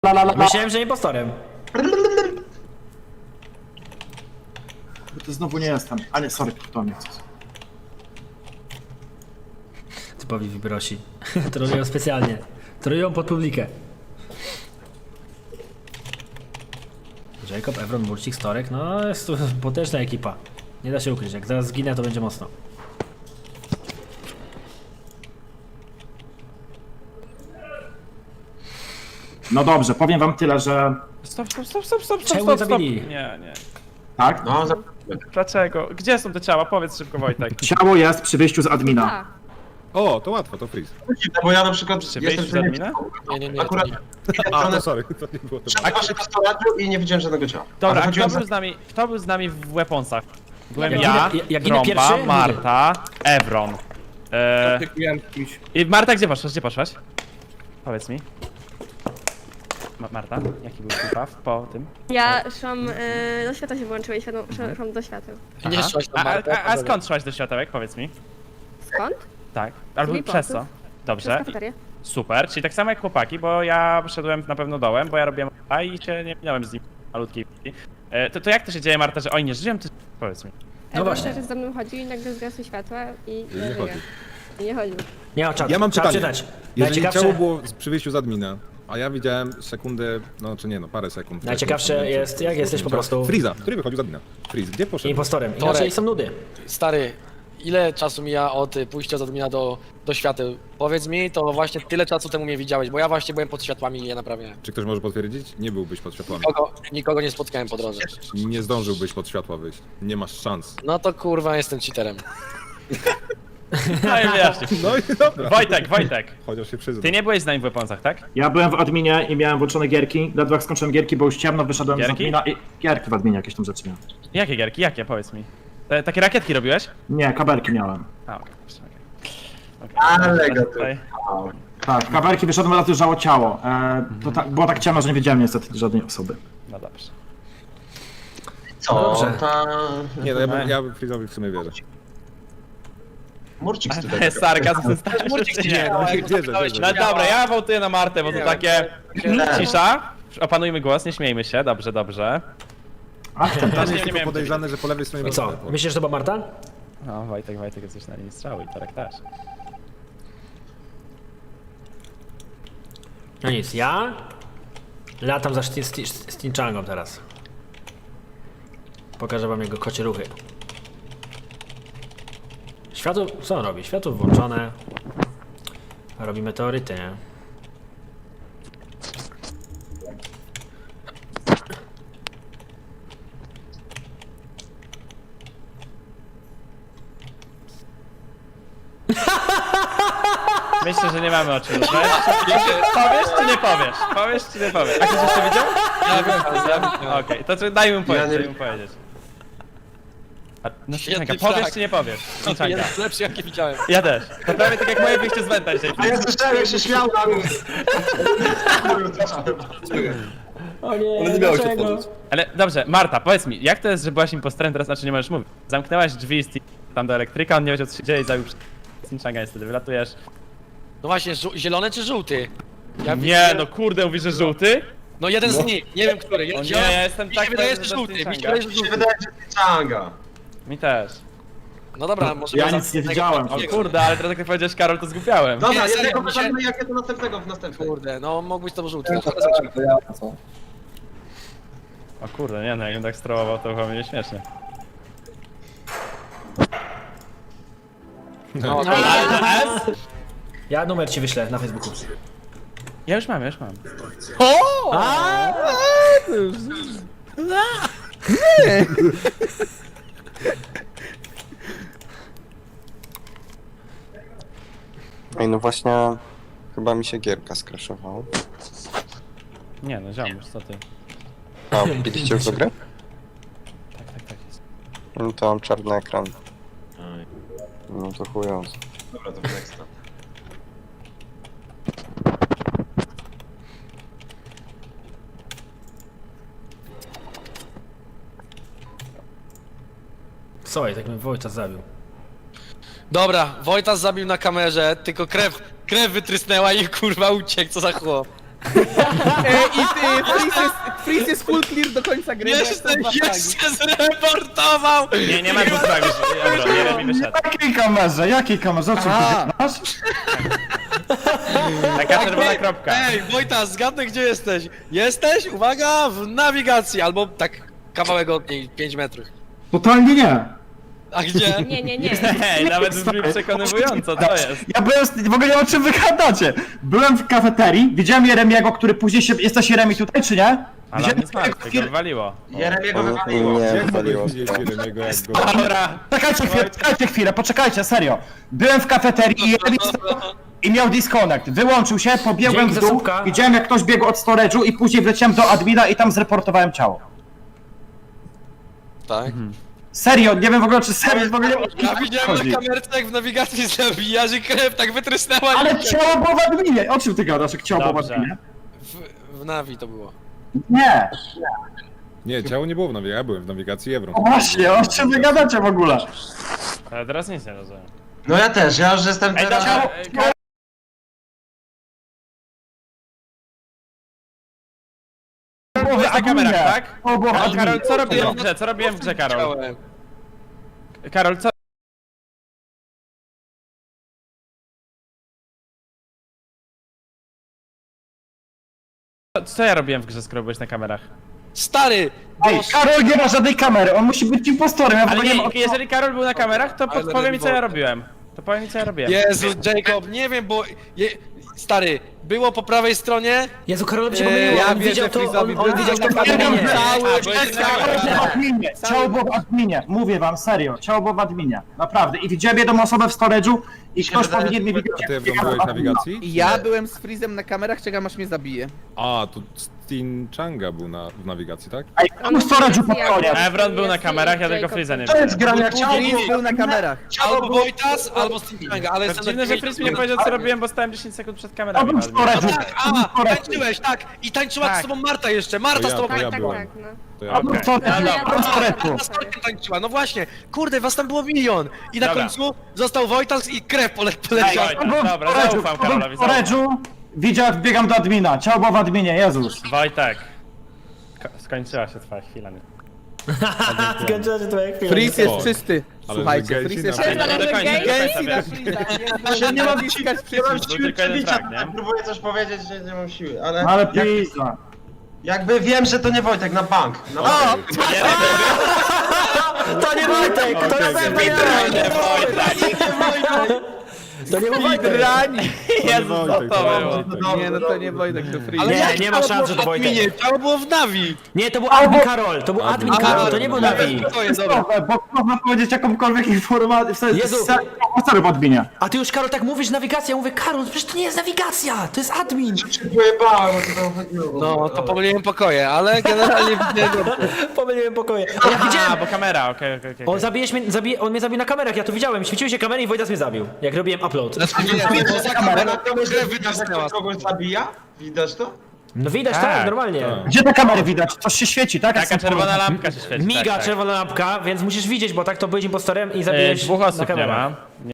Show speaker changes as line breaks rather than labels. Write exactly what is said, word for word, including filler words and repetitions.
la, la, la.
Myślałem, że impostorem.
To znowu nie jestem. A nie, sorry, to nie.
Typowi wibrosi. Trolują specjalnie. Trolują pod publikę. Jacob, Evron, Murcik, Storek, no jest to potężna ekipa. Nie da się ukryć, jak zaraz zginę, to będzie mocno.
No dobrze, powiem wam tyle, że...
Stop, stop, stop, stop, stop,
Czemu
stop, stop.
zabili?
Nie, nie.
Tak?
No, za...
Dlaczego? Gdzie są te ciała? Powiedz szybko, Wojtek.
Ciało jest przy wyjściu z admina.
Tak.
O, to łatwo, to freeze.
bo ja na przykład
Czy
jestem
wyjść z admina?
Nie, nie, nie.
Akurat
to
A, to sorry, to nie było to.
a poszedłem do storage i nie widziałem żadnego ciała.
Dobra,
Ale
a kto
chodziłem
był
za...
z nami, kto był z nami w weaponsach? Byłem
Jak
ja,
ginę- jak ginę
Tromba,
pierwszy?
Marta, Evron. Eee, I Marta, gdzie poszłaś? Gdzie poszłaś? Powiedz mi. Ma Marta, jaki był twój paw po tym?
Ja szłam, y, do świata się włączyłem, światło, szłam, szłam do świateł.
Nie
Aha.
szłaś
a,
na
a,
Martę.
a, a skąd szłaś do światełek? Powiedz mi.
Skąd?
Tak. Albo
Z
przez co?
Weaponsów. Przez
Dobrze.
kafeterię.
Super, czyli tak samo jak chłopaki, bo ja szedłem na pewno dołem, bo ja robiłem a i się nie minąłem z nim malutkiej chwili. E, to, to jak to się dzieje, Marta, że oni nie żyją? Ty powiedz mi.
No właśnie.
Że za mną chodził i nagle zgasły światła i
nie
nie
chodzi.
I nie chodził.
Nie ma czatu.
Ja mam
Trzeba
pytanie.
czytać.
Jeżeli
Najciekawsze,
ciało było z- przy wyjściu z admina, a ja widziałem sekundę, no czy nie, no parę sekund.
Najciekawsze jest, jak jesteś po prostu
Freeza, który wychodził z admina. Freeze, gdzie poszedł?
impostorem.
Torek.
Inaczej są nudy.
Stary, ile czasu mija od y, pójścia z admina do, do świateł? Powiedz mi, to właśnie tyle czasu temu mnie widziałeś, bo ja właśnie byłem pod światłami i je naprawiałem.
Czy ktoś może potwierdzić? Nie byłbyś pod światłami.
Nikogo, nikogo nie spotkałem po drodze.
Nie zdążyłbyś pod światła wyjść. Nie masz szans.
No to kurwa, jestem cheaterem.
No i wyjaśnij.
No i dobra.
Wojtek, Wojtek.
Chociaż się przyznam.
Ty nie byłeś z nami w weaponsach, tak?
Ja byłem w adminie i miałem włączone gierki. Ledwo jak skończyłem gierki, bo już ciemno, wyszedłem z
Gierki?
admina i... Gierki w adminie jakieś tam rzeczy miałem.
Jakie gierki? Jakie? Powiedz mi. Te, takie rakietki robiłeś?
Nie, kabelki miałem.
A, okej. Okay.
Ale go tu.
Tutaj.
Tak, kabelki wyszedłem, ale leżało ciało. E, to tak, było tak ciemno, że nie wiedziałem niestety żadnej osoby.
No dobrze.
Co?
Dobrze.
Ta...
Nie, no ja, bym- ja Freeze'owi w sumie wierzę.
Murcik
To
tutaj.
jest sarkazm,
Murcik
czy
się
nie?
działa, jak
Wierzę,
zapytałeś,
wierzę.
No
czy działa.
dobra, ja wołtuję na Martę, bo to
Nie,
takie...
nie.
Cisza. Opanujmy głos, nie śmiejmy się. Dobrze, dobrze.
Ach, ten
Tam
nie
jest tylko
miałem
podejrzane, że po lewej stronie
I
był
co?
teleport.
Myślisz, że to była Marta?
No, Wojtek, Wojtek jest coś na linii strzały i Torek też.
No nic, ja latam za Stinchangą teraz. Pokażę wam jego kocie ruchy. Światło, co on robi? Światło włączone. Robi meteoryty, nie?
Myślę, że nie mamy o czym rozmawiać. Powiesz czy nie powiesz? Powiesz czy nie powiesz? A ktoś jeszcze widział?
Ja wiem,
Okej, to czy- daj mu powiedzieć,
nie-
daj mu powiedzieć. A, no
Świetny
Stinchanga, powiesz
flag.
czy nie powiesz?
to
Stinchanga.
jest lepszy jakie widziałem.
Ja też. To prawie tak jak moje wyjście z Wenta dzisiaj.
A ja słyszałem jak się śmiał na mnie.
O nie,
Ale nie miało się wchodzić.
Ale dobrze, Marta, powiedz mi, jak to jest, że byłaś impostorem, teraz znaczy nie możesz mówić? Zamknęłaś drzwi z Stin- tam do elektryka, on nie wiedział co się dzieje i zabił Stinchanga, niestety wylatujesz.
No właśnie, żół- zielony czy żółty? Ja
Nie,
widziałem-
no kurde, mówisz, że żółty?
No jeden z nich, nie wiem który. Ja,
O nie, ja jestem
mi
tak
się wydaje, że
pewny, że
żółty, mi się
Stinchanga.
wydaje, że
Mi się
żółty.
wydaje, że Changa.
Mi też.
No dobra, może...
Ja
może-
nic nie widziałem.
O kurde, ale teraz jak powiedziałeś Karol, to zgłupiałem.
Dobra,
Nie, serio,
jednego
mi się-
pytamy, jakie to następnego w następnej.
Kurde, no mógł to żółty.
To ja, co?
O kurde, nie no, jakbym tak strołował, to chyba będzie śmiesznie.
No,
Ja numer ci wyślę na Facebooku.
Ja już mam, ja już mam.
Ej, no właśnie, chyba mi się gierka skraszowała.
Nie no, ziomuś, co ty?
A, widzieliście już do gry?
Tak, tak, tak jest.
No to mam czarny ekran. No to chując.
Dobra, to next.
Słuchaj, tak mnie Wojta zabił.
Dobra, Wojtas zabił na kamerze, tylko krew, krew wytrysnęła i kurwa uciekł, co za chłop.
E, I ty, freeze jest, freeze jest full clear do końca gry. bo jak
Jeszcze,
są dwa fragi.
jeszcze zreportował!
Nie, nie ma dwóch fragów. Ebron, Jeremi wyszedł.
Jakiej kamerze? Jakiej kamerze? O czym
Aha.
ty masz?
Taka czerwona kropka.
Ej, Wojtas, zgadnę gdzie jesteś. Jesteś, uwaga, w nawigacji, albo tak kawałek od niej, pięć metrów.
Totalnie nie.
A gdzie?
Nie, nie, nie.
Hej, nawet brzmi przekonywująco, co jest?
Ja byłem, z- w ogóle nie wiem, o czym wy gadacie. Byłem w kafeterii, widziałem Jeremiego, który później się... Jesteś Jeremi tutaj, czy nie?
Ale on
Widziałem
nie smarł, tego wywaliło.
Jeremiego
On
wywaliło.
nie
Jak
wywaliło.
mogłeś widzieć Jeremiego, jak go...
Dobra.
Czekajcie chwilę, poczekajcie chwilę, poczekajcie, serio. Byłem w kafeterii i Jeremi stał i miał disconnect. Wyłączył się, pobiegłem
Dzięki
w
za
dół,
słupka.
widziałem jak ktoś biegł od storage'u i później wleciałem do admina i tam zreportowałem ciało.
Tak.
Serio, nie wiem w ogóle czy serio, w ogóle nie wiem, o czym
Ja widziałem
chodzi.
na kamerce, jak w nawigacji zabija, że krew tak wytrysnęła.
Ale
i-
ciało było w adminie, o czym ty gadasz, jak ciało było w
Dobrze.
adminie?
W, w nawi to było.
Nie,
Nie, ciało nie było w nawigacji, ja byłem w nawigacji Ebron.
no właśnie, o czym wy gadacie w ogóle?
Ale teraz nic nie rozumiem.
No ja też, ja już jestem
Ej,
teraz...
dobra, e, Karol, byłeś na kamerach, tak?
To było w
Karol,
adminie.
Karol, co robiłem w grze? Co robiłem w grze, Karol?
Chciałem.
Karol, co... Co ja robiłem w grze, skoro byłeś na kamerach?
Stary!
Ej, Karol nie ma żadnej kamery, on musi być impostorem, ja w
Ale
ogóle nie
nie,
wiem,
jeżeli Karol był na kamerach, to
Ale
podpowiem mi co ja
revolver.
robiłem. To powiem mi co ja robiłem.
Jezu, Jacob, nie wiem, bo... Je... Stary, było po prawej stronie...
Jezu, Karolowi się
Eee,
pomyliło,
ja
on
wierzę
widział to, on,
Freeze'owi,
on
byłem
widział to w
na kamerze.
adminie.
Cały
A, byłeś na
Ciało
kamerach.
było w adminie, ciało było w adminie, mówię wam, serio, ciało było w adminie, naprawdę. I widziałem jedną osobę w storage'u i ktoś
wydaje,
powinien mi
że-
widzieć,
A ty
jak
Ebron
biegam
byłeś
w
w
admina.
nawigacji?
Ja byłem z freezem na kamerach, czekam aż mnie zabije.
A, to Stin Changa był na, w nawigacji, tak?
Ej, kto w storage'u pod koniec?
Ebron był na kamerach, ja tylko Freeza nie
To jest
widziałem.
granie jak ciało było
Freeze
w
był na
adminie.
kamerach.
Albo Wojtas, albo Stinchanga, ale
To
jestem
dziwne, że Freeze mi nie powiedział co robiłem, bo stałem dziesięć sekund przed
To
kamerami.
był w storage'u.
Tak, a, tańczyłeś, tak! I tańczyła
Tak.
z tobą Marta jeszcze, Marta
To
z
ja,
tobą
to ja
Tak, tak,
byłem.
tak, no.
To ja
To był w storage'u,
Ale ja
to był w
to-
storage'u.
Na starcie tańczyła, no właśnie! Kurde, was tam było milion! I na
Dobra.
końcu został Wojtas i krew pole
Ej,
poleciała.
Wojtas,
To był w
dobra,
storage'u,
zaufam
to był
Karolowi,
w
zaufam.
storage'u, widział jak biegam do admina, ciało było w adminie, Jezus.
Wojtek. Ko- Skończyła się twoja chwila. Nie?
Skończyła się twoja chwila.
Freeze jest
O.
czysty.
Ale
Słuchajcie,
Gelsey
freeze jest
na-
czysty.
Nie do końca, nie do
Gelsey
końca,
na
wiesz.
freeza.
Nie mam siły,
naciskać
nie mam
przycisk.
siły
tylko jeden
przebicia,
frag, nie?
tak próbuję coś powiedzieć, że nie mam siły, ale...
Ale
jak,
pizza.
jakby wiem, że to nie Wojtek, na bank. Na bank.
To nie Wojtek, to na pewno nie To nie był Wojtek.
Rani.
Jezu, co
Wojtek,
to
to
było?
Dobrze,
Nie, no to
dobrze.
nie Wojtek, to freeze.
Ale
Nie,
jak
nie ma
ciało
szans,
było
że
w
to Wojtek.
adminie? Ciało było w Navi!
Nie, to był admin Karol, to był admin
Admin
Karol, to
Karol,
nie był
no.
Navi.
To jest dobra.
Dobra, bo można powiedzieć jakąkolwiek informację, w sensie,
Jezu.
serio, w adminie.
A ty już Karol tak mówisz nawigacja, ja mówię Karol, przecież to nie jest nawigacja, to jest admin.
Się pojebałem, o co tam chodziło.
No, to pomyliłem pokoje, ale generalnie widziałem dobrze.
Pomyliłem pokoje. A ja
A,
widziałem,
bo kamera, okej, okej, okej.
on zabijesz mnie, zabije, on mnie zabił na kamerach, ja to widziałem, świeciły się kamery i Wojtas mnie zabił, jak robiłem upload.
Znaczy nie, nie, poza kamerą
To może
krew
widać,
wytrysnęła.
jak kogoś zabija? Widać to?
No widać,
Tak,
tak, normalnie.
tak.
Gdzie te kamery widać? Coś się świeci, tak? Jak
Taka
są
czerwona
położone?
lampka się świeci.
Miga
tak, tak.
czerwona lampka, więc musisz widzieć, bo tak to byłeś impostorem i
E,
zabiłeś
Dwóch
na
osób nie
kamerach.
ma.